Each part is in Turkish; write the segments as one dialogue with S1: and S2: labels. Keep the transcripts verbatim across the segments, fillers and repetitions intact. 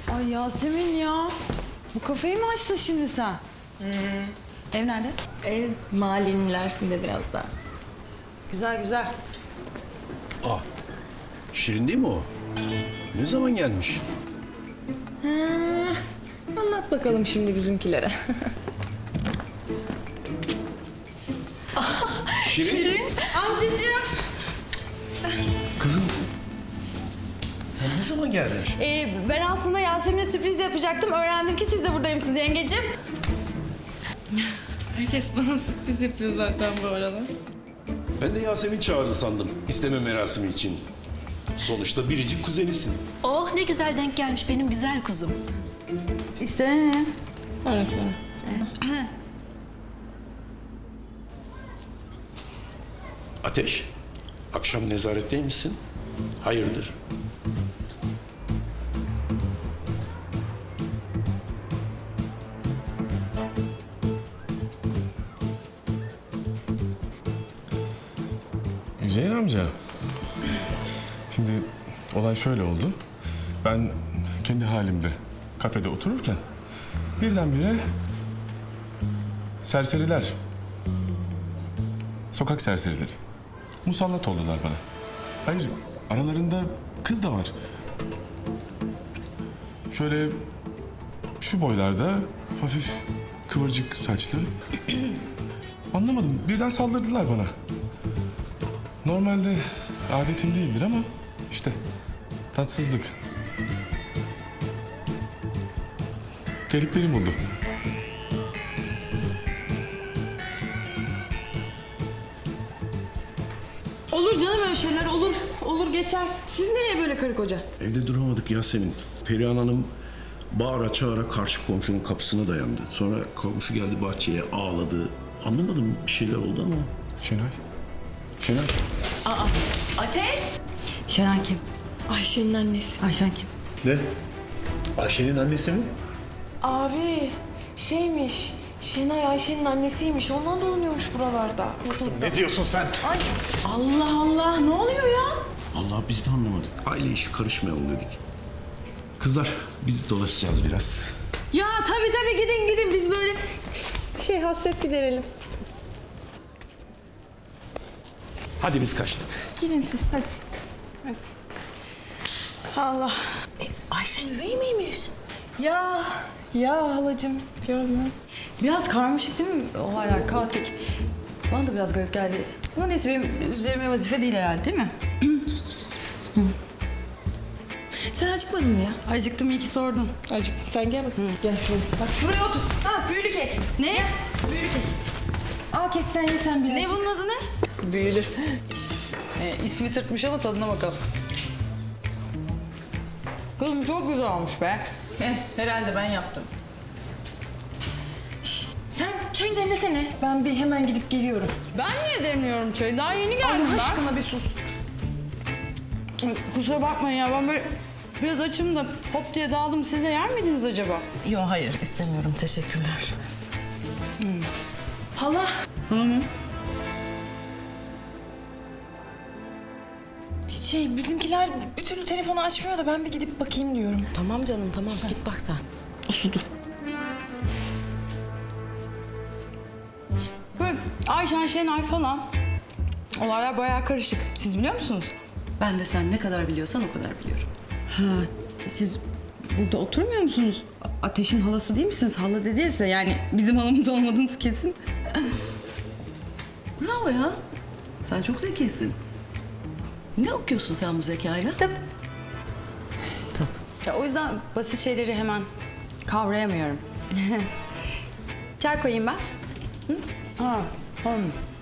S1: Ay Yasemin ya. Bu kafeyi mi açtın şimdi sen?
S2: Hı.
S1: Ev nerede?
S2: Ev mahallenin ilerisinde biraz daha.
S1: Güzel güzel.
S3: Ah, Şirin değil mi o? Ne zaman gelmiş?
S2: Ha, anlat bakalım şimdi bizimkilere.
S3: Şirin?
S2: Şirin. Amcacığım.
S3: Kızım, sen ne zaman geldin?
S2: Ee, ben aslında Yasemin'e sürpriz yapacaktım. Öğrendim ki siz de buradaymışsınız yengeciğim. Herkes bana sürpriz yapıyor zaten bu arada.
S3: Ben de Yasemin çağırdı sandım isteme merasimi için. Sonuçta biricik kuzenisin.
S4: Oh ne güzel denk gelmiş benim güzel kuzum.
S1: İstene ne?
S2: Sonra sonra.
S3: Ateş, akşam nezaretteymişsin. Hayırdır?
S5: Hüseyin amca. Şimdi olay şöyle oldu. Ben kendi halimde kafede otururken birdenbire serseriler, sokak serserileri musallat oldular bana. Hayır, aralarında kız da var. Şöyle şu boylarda, hafif kıvırcık saçlı. Anlamadım, birden saldırdılar bana. Normalde adetim değildir ama işte tatsızlık. Gariplerim oldu.
S1: Olur canım öyle şeyler olur. Olur geçer. Siz nereye böyle karı koca?
S3: Evde duramadık Yasemin. Perihan Hanım bağıra çağıra karşı komşunun kapısına dayandı. Sonra komşu geldi bahçeye ağladı. Anlamadım, bir şeyler oldu ama.
S5: Şenay. Şenay.
S6: Ateş!
S1: Şener kim?
S2: Ayşe'nin annesi.
S1: Ayşen kim?
S3: Ne? Ayşe'nin annesi mi?
S7: Abi şeymiş, Şenay Ayşe'nin annesiymiş. Ondan dolanıyormuş buralarda.
S8: Kızım ne diyorsun sen?
S6: Allah Allah ne oluyor ya?
S3: Allah biz de anlamadık. Aile işi karışmayalım dedik. Kızlar biz dolaşacağız biraz.
S1: Ya tabii tabii gidin gidin biz böyle...
S2: Şey hasret giderelim.
S3: Hadi biz kaçtık.
S2: Gidin siz hadi. Hadi. Allah.
S6: Ayşe üvey miymiş?
S2: Ya ya halacığım görmüyorum.
S1: Biraz karmaşık değil mi olaylar, kaotik? Bana da biraz garip geldi. Ama neyse benim üzerime vazife değil herhalde değil mi?
S2: Sen acıkmadın mı ya?
S1: Acıktım iyi ki sordun.
S2: Acıktın sen gel bakayım.
S1: Gel şuraya. Bak şuraya otur. Ha büyülü kek. Ne? Büyülü kek.
S2: Al kekten ye sen birazcık.
S1: Ne bunun adı ne? Büyülü. Ee, ismi tırtmış ama tadına bakalım. Kızım çok güzel olmuş be.
S2: Heh, herhalde ben yaptım. Şişt, sen çay demlesene. Ben bir hemen gidip geliyorum.
S1: Ben niye demiyorum çayı? Daha yeni geldim
S2: Allah
S1: ben.
S2: aşkına bir sus.
S1: Kusura bakmayın ya ben böyle biraz açım da hop diye daldım. Siz de yer miydiniz acaba?
S6: Yok hayır istemiyorum teşekkürler. Hala.
S7: Şey bizimkiler bir türlü telefonu açmıyor da ben bir gidip bakayım diyorum.
S6: Tamam canım tamam git bak sen.
S1: Usudur. Böyle Ayşen Şenay falan. Olaylar bayağı karışık. Siz biliyor musunuz?
S6: Ben de sen ne kadar biliyorsan o kadar biliyorum.
S1: Ha, siz burada oturmuyor musunuz? A- Ateş'in halası değil misiniz? Hala dediyse yani bizim halamız olmadığınız kesin.
S6: Bravo ya. Sen çok zekisin. Ne okuyorsun sen bu zekayla?
S1: Tıp.
S6: Tıp.
S1: Ya o yüzden basit şeyleri hemen kavrayamıyorum. Çay koyayım ben. Hı? Ha, tamam.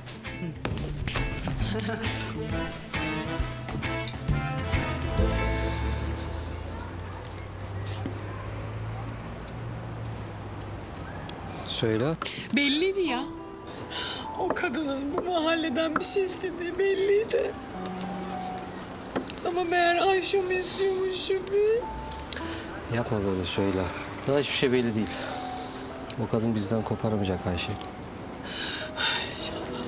S9: Söyle.
S7: Belliydi ya. O kadının bu mahalleden bir şey istediği belliydi. Ama meğer Ayşe mi istiyormuş Şüphi?
S9: Yapma böyle söyle. Daha hiçbir şey belli değil. O kadın bizden koparamayacak Ayşe.
S7: İnşallah.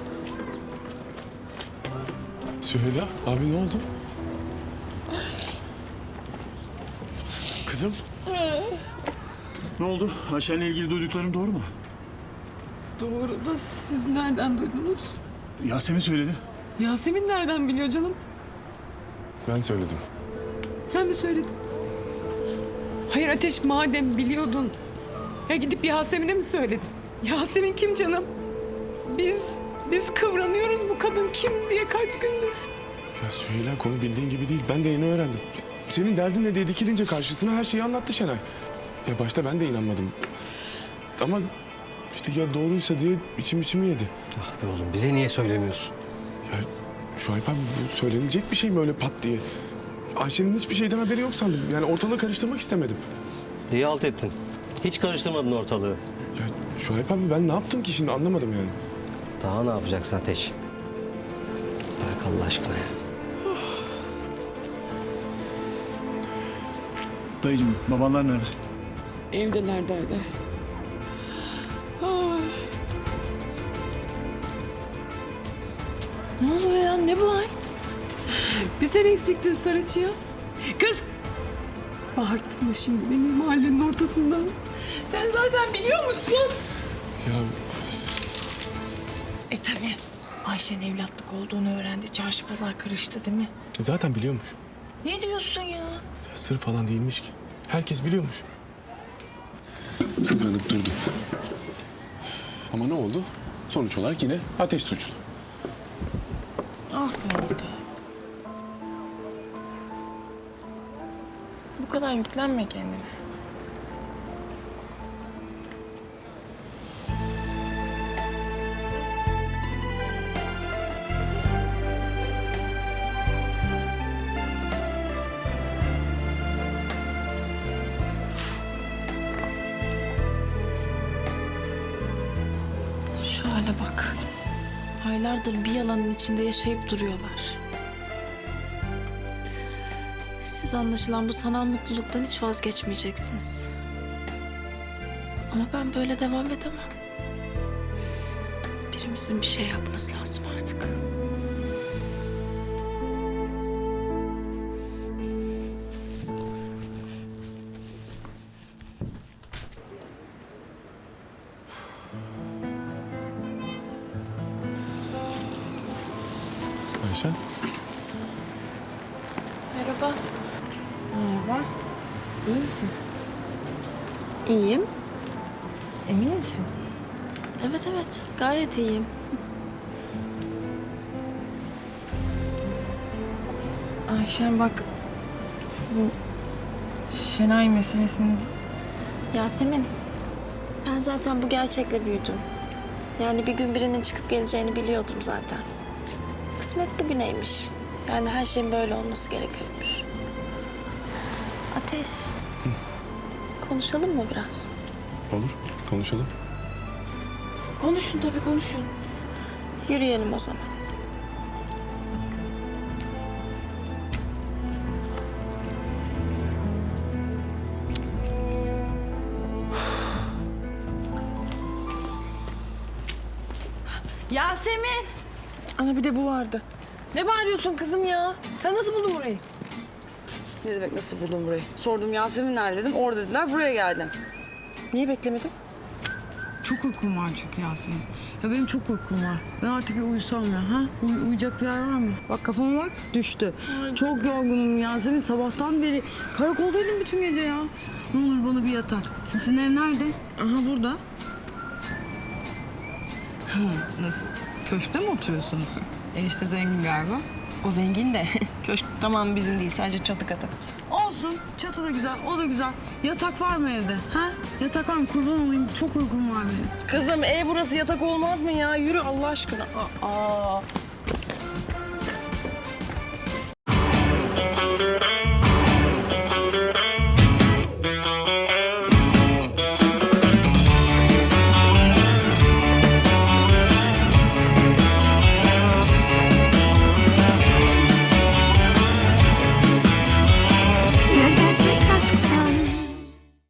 S5: Süheyla, abi ne oldu?
S8: Kızım. Ne oldu? Ayşen'le ilgili duyduklarım doğru mu?
S7: Doğru da siz nereden duydunuz?
S8: Yasemin söyledi.
S7: Yasemin nereden biliyor canım?
S5: Ben söyledim.
S7: Sen mi söyledin? Hayır Ateş, madem biliyordun, ya gidip Yasemin'e mi söyledin? Yasemin kim canım? Biz, biz kıvranıyoruz bu kadın kim diye kaç gündür.
S5: Ya Süheyla, konu bildiğin gibi değil. Ben de yeni öğrendim. Senin derdin ne diye dikilince karşısına her şeyi anlattı Şenay. Ya başta ben de inanmadım. Ama işte ya doğruysa diye içim içimi yedi.
S9: Ah be oğlum, bize niye söylemiyorsun?
S5: Ya Şuayb abi, bu söylenecek bir şey mi öyle pat diye? Ayşe'nin hiçbir şeyden haberi yok sandım. Yani ortalığı karıştırmak istemedim.
S9: Diye alt ettin. Hiç karıştırmadın ortalığı.
S5: Ya Şuayb abi, ben ne yaptım ki şimdi, anlamadım yani.
S9: Daha ne yapacaksın Ateş? Bırak Allah aşkına ya.
S8: Dayıcığım, babanlar nerede?
S7: Evdeler derdi. Ne oluyor ya? Ne bu hal? Bir sen eksiktin Sarıçı ya. Kız! Bağırtma şimdi beni mahallenin ortasından. Sen zaten biliyor musun?
S5: Ya
S10: E tabii. Ayşe'nin evlatlık olduğunu öğrendi. Çarşı pazar karıştı değil mi?
S5: zaten biliyormuş.
S10: Ne diyorsun ya?
S5: Ya sır falan değilmiş ki. Herkes biliyormuş. Kıvranıp durdu. Ama ne oldu? Sonuç olarak yine Ateş suçlu.
S10: Ah be orada. Bu kadar yüklenme kendine. Şu hale bak. Aylardır bir yalanın içinde yaşayıp duruyorlar. Siz anlaşılan bu sanal mutluluktan hiç vazgeçmeyeceksiniz. Ama ben böyle devam edemem. Birimizin bir şey yapması lazım artık.
S5: Ayşen.
S10: Merhaba.
S2: Merhaba. İyi misin?
S10: İyiyim.
S2: Emin misin?
S10: Evet evet gayet iyiyim.
S2: Ayşen bak, bu Şenay meselesini...
S10: Yasemin, ben zaten bu gerçekle büyüdüm. Yani bir gün birinin çıkıp geleceğini biliyordum zaten. Kısmet bugüneymiş. Yani her şeyin böyle olması gerekiyormuş. Ateş, konuşalım mı biraz?
S5: Olur, konuşalım.
S10: Konuşun tabii konuşun. Yürüyelim o zaman.
S2: Yasemin! Ana bir de bu vardı. Ne bağırıyorsun kızım ya? Sen nasıl buldun burayı?
S11: Ne demek nasıl buldun burayı? Sordum Yasemin nerede dedim. Orada dediler, buraya geldim.
S2: Niye beklemedin?
S11: Çok uykum var çünkü Yasemin. Ya benim çok uykum var. Ben artık bir uyusam ya. Ha? Uy- uyuyacak bir yer var mı? Bak kafama bak düştü. Çok yorgunum Yasemin. Sabahtan beri karakoldaydım bütün gece ya. Ne olur bana bir yatar. Sizin ev nerede? Aha burada. Ha, nasıl? Köşkte mi oturuyorsunuz? Enişte zengin galiba.
S2: O zengin de. Köşk tamam bizim değil. Sadece çatı katı.
S11: Olsun. Çatı da güzel. O da güzel. Yatak var mı evde? Ha? Yatak var mı? Kurban olayım. Çok uykum var benim.
S2: Kızım ev burası yatak olmaz mı ya? Yürü Allah aşkına. Aa.